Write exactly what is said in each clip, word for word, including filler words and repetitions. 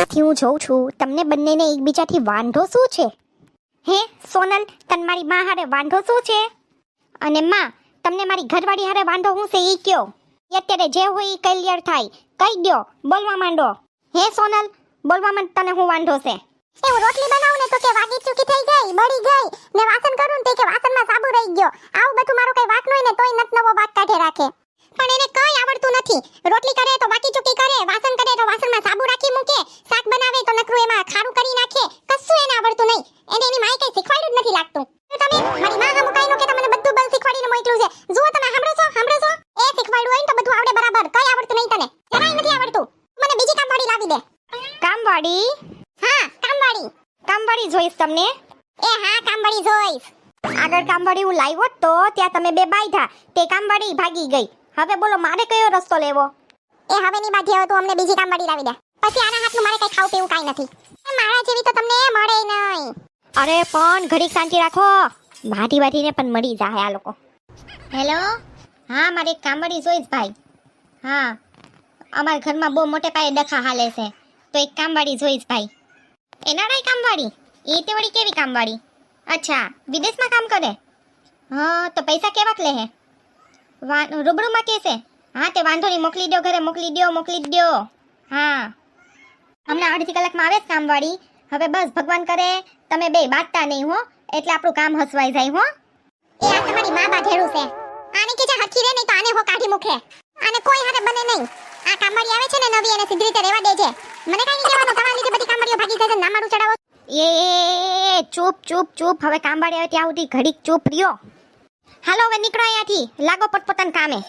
ત્યારથી હું જોઉં છું તમને બંનેને એકબીજાથી વાંધો શું છે? હે સોનલ, તને મારી માં હારે વાંધો શું છે? અને માં, તમને મારી ઘરવાળી હારે વાંધો શું છે એ કયો. અત્યારે જે હોય એ ક્લિયર થાય, કહી દ્યો, બોલવા માંડો. હે સોનલ, બોલવા માંડ, તને શું વાંધો છે? એ હું રોટલી બનાવું ને તો કે વાગી ચૂકી થઈ ગઈ, બળી ગઈ ને વાસણ કરું ને તો કે વાસણમાં સાબુ રહી ગયો. આવું બધું મારું કઈ વાત નોય ને તોય નત નવો વાત કાઢે રાખે. પણ એને કઈ આવડતું નથી. રોટલી કરે તો વાકી ચૂકી કરે, વાસણ કરે તો વાસણમાં સાબુ રાખી મૂકે, શાક બનાવે તો નકરું એમાં ખારું કરી નાખે. કશું એને આવડતું નહીં. એને એની માએ કઈ શીખવાડ્યું જ નથી લાગતું. તો તમે મારી માં હમ કઈ નો કે તમને બધું બલ શીખવાડીને મોકલું છે. જુઓ તમે સાંભળો છો, સાંભળો છો? એ શીખવાડ્યું હોય ને તો બધું આવડે બરાબર. કઈ આવડતું નહીં તને, જરાય નથી આવડતું. મને બીજી કામવાળી લાવી દે. કામવાળી? હા, કામવાળી. કામવાળી જોઈશ તમને? એ હા, કામવાળી જોઈશ. આગળ કામવાળી હું લાવ્યો તો ત્યાં તમે બે બાયધા, તે કામવાળી ભાગી ગઈ. હવે બોલો મારે કયો રસ્તો લેવો? એ હવે ની બાધી હવે તું અમને બીજી કામવાળી લાવી દે. પછી આના હાથનું મારે કઈ ખાવ પીવું કાઈ નથી. મારા જેવી તો તમને મળે નહીં. અરે પણ ઘડીક શાંતિ રાખો, વાટી વાટીને પણ મળી જાય આ લોકો. હેલો, હા મારે એક કામવાળી જોઈશ ભાઈ. હા, અમારા ઘરમાં બહુ મોટે પાયે ડખા હાલે છે, તો એક કામવાળી જોઈશ ભાઈ. એનાડાય કામવાળી? એ તે વળી કેવી કામવાળી? અચ્છા, વિદેશમાં કામ કરે? હા, તો પૈસા કેવાક લે હે? રૂબરૂમાં કેસે? હા તે વાંધો નહીં, મોકલી દો ઘરે, મોકલી દો, મોકલી દો. હા, હમણાં અડધી કલાકમાં આવે જ કામવાળી. હવે બસ ભગવાન કરે તમે બે બાટતા નહીં હો, એટલે આપણું કામ હસવાઈ જાય હો. એ આ તમારી માં બાધેડું છે. આને કે જે હરખી રે નહીં તો આને હો કાઢી મૂકે. આને કોઈ હારે બને નહીં. આ કામવાળી આવે છે ને નવી, એને સીધી રીતે રહેવા દેજે. મને કઈ નહીં કહેવાનું, તમારા લીધે બધી કામવાળીઓ ભાગી જાય છે. ના મારું ચડાવો. એ એ, ચૂપ ચૂપ ચૂપ, હવે કામવાળી આવે ત્યાં સુધી ઘડીક ચૂપ રહ્યો. હાલો હવે નીકળો અહીંયાથી, લાગો પોતપોતાના કામે.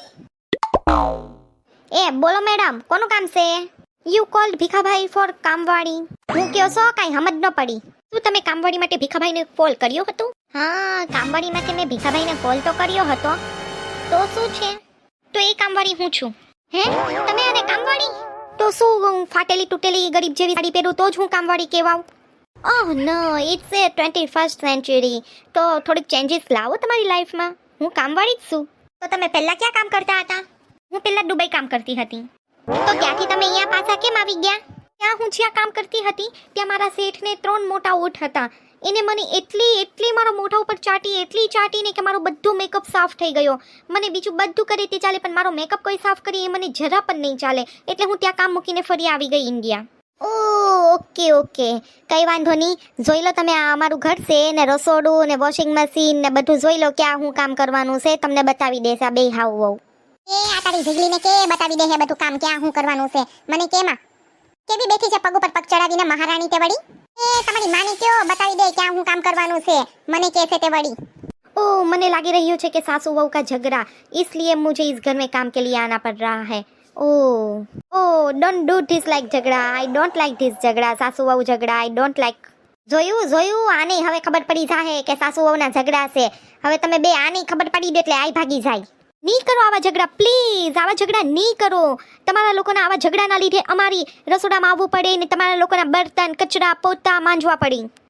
એ બોલો મેડમ, કોનું કામ છે? યુ કોલ્ડ ભીખાભાઈ ફોર કામવાળી. હું કયો છો કાંઈ સમજ ન પડી. શું તમે કામવાળી માટે ભીખાભાઈને કોલ કર્યો હતો? હા, કામવાળી માટે મેં ભીખાભાઈને કોલ તો કર્યો હતો. તો શું છે? તો એ કામવાળી હું છું. હે, તમે આને કામવાળી? તો શું ફાટેલી તૂટેલી ગરીબ જેવી સાડી પહેરું તો જ હું કામવાળી કહેવાઉં? Oh no, it's a twenty first century. તો થોડીક ચેન્જીસ લાવો તમારી લાઈફમાં. હું કામવાળી જ છું. તો તમે પહેલા ક્યાં કામ કરતા હતા? હું પહેલા દુબઈ કામ કરતી હતી. તો ત્યાંથી તમે અહીંયા પાછા કેમ આવી ગયા? ત્યાં હું જ્યાં કામ કરતી હતી ત્યાં મારા શેઠને ત્રણ મોટા ઊંટ હતા. એને મને એટલી એટલી મારા મોઢા ઉપર ચાટી, એટલી ચાટીને કે મારો બધું મેકઅપ સાફ થઈ ગયો. મને બીજું બધું કરે તે ચાલે, પણ મારો મેકઅપ કોઈ સાફ કરી એ મને જરા પણ નહીં ચાલે. એટલે હું ત્યાં કામ મૂકીને ફરી આવી ગઈ ઇન્ડિયા. ઓ ઓકે ઓકે, કઈ વાંધો નહીં. જોઈ લો તમે, આ અમારું ઘર છે ને રસોડું ને વોશિંગ મશીન ને બધું જોઈ લો ક્યાં હું કામ કરવાનું છે. તમને બતાવી દેશે આ બે હાવ વહુ. એ આ તારી ઝીગલીને કે બતાવી દે હે બધું કામ ક્યાં હું કરવાનું છે. મને કેમાં કેવી બેઠી છે પગ ઉપર પગ ચડાવીને મહારાણી તે વળી. એ તમારી માને કયો બતાવી દે ક્યાં હું કામ કરવાનું છે. મને કે છે તે વળી. ओ મને લાગી રહ્યું છે કે સાसू बहू का झगड़ा, इसलिए मुझे इस घर में काम के लिए आना पड़ रहा है. Oh, oh, don't do this like झगड़ा. I don't like this झगड़ा. સાસુ વહુ ઝઘડા I don't like. જોયું જોયું, આને હવે ખબર પડી જાય કે સાસુ વહુના ઝઘડા છે. હવે તમે બે આની ખબર પડી દે એટલે આઈ ભાગી જાય. નહીં કરો આવા ઝઘડા પ્લીઝ, આવા ઝઘડા નહીં કરો. તમારા લોકોના આવા ઝઘડાના લીધે અમારી રસોડામાં આવવું પડે ને તમારા લોકોના બર્તન કચરા પોતા માંજવા પડે.